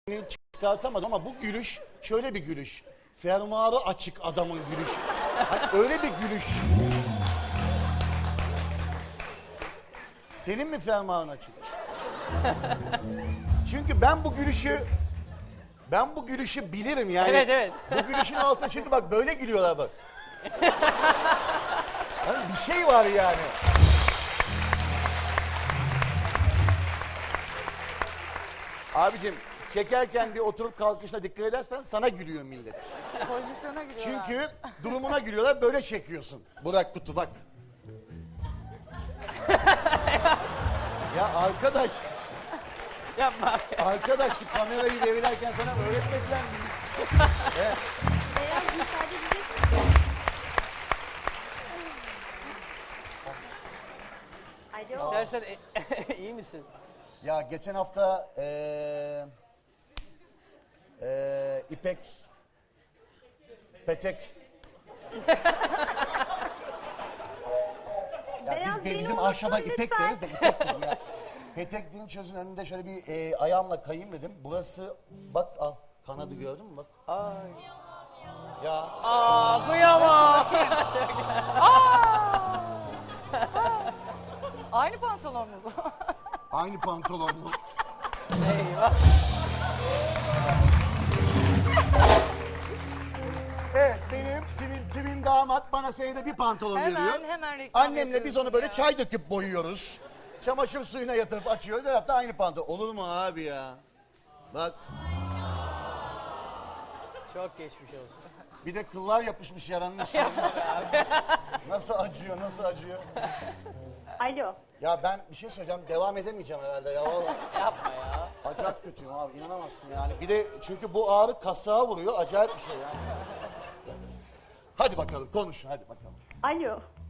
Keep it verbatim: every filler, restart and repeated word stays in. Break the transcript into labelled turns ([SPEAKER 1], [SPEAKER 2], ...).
[SPEAKER 1] çıkartamadım ama bu gülüş şöyle bir gülüş. Fermuarı açık adamın gülüşü. Hani öyle bir gülüş. Senin mi fermuarın açık? Çünkü ben bu gülüşü ben bu gülüşü bilirim yani.
[SPEAKER 2] Evet, evet.
[SPEAKER 1] Bu gülüşün altında çünkü bak böyle gülüyorlar bak. Hani bir şey var yani. Abicim çekerken bir oturup kalkışına dikkat edersen sana gülüyor millet.
[SPEAKER 3] Pozisyona giriyorlar.
[SPEAKER 1] Çünkü durumuna gülüyorlar, böyle çekiyorsun. Burak Kutu bak. Ya arkadaş,
[SPEAKER 2] Yapma.
[SPEAKER 1] arkadaş şu kamerayı devirerken sana öğretmediler mi? Evet.
[SPEAKER 4] Beyaz müsaade edecek misin? Alo.
[SPEAKER 2] İstersen e- iyi misin?
[SPEAKER 1] Ya geçen hafta eee eee İpek Petek ya
[SPEAKER 4] Beyaz
[SPEAKER 1] biz
[SPEAKER 4] beni
[SPEAKER 1] bizim
[SPEAKER 4] unutma
[SPEAKER 1] ahşaba İpek
[SPEAKER 4] lütfen.
[SPEAKER 1] deriz de İpek dedim ya. Petek deyince çözün önünde şöyle bir eee, ayağımla kayayım dedim. Burası bak al kanadı gördün mü bak.
[SPEAKER 2] Ay.
[SPEAKER 1] Ya
[SPEAKER 2] Aa, kıyamam.
[SPEAKER 3] Aynı pantolon mu bu?
[SPEAKER 1] aynı pantolon mu?
[SPEAKER 2] Eyvah.
[SPEAKER 1] Evet benim timin, timin damat bana senede bir pantolon
[SPEAKER 3] Hemen,
[SPEAKER 1] veriyor.
[SPEAKER 3] hemen reklam
[SPEAKER 1] Annemle biz onu
[SPEAKER 3] yapıyorsun
[SPEAKER 1] böyle
[SPEAKER 3] ya.
[SPEAKER 1] çay döküp boyuyoruz. Çamaşır suyuna yatırıp açıyoruz. Her hafta aynı pantolon. Olur mu abi ya? Bak
[SPEAKER 2] Çok geçmiş olsun.
[SPEAKER 1] bir de kıllar yapışmış yaranmış. Nasıl acıyor nasıl acıyor?
[SPEAKER 4] Alo.
[SPEAKER 1] Ya ben bir şey söyleyeceğim devam edemeyeceğim herhalde ya vallahi.
[SPEAKER 2] Yapma ya.
[SPEAKER 1] Acayip kötüyüm abi inanamazsın yani. Bir de çünkü bu ağrı kasığa vuruyor acayip bir şey yani. Hadi bakalım konuş hadi bakalım.
[SPEAKER 4] Alo.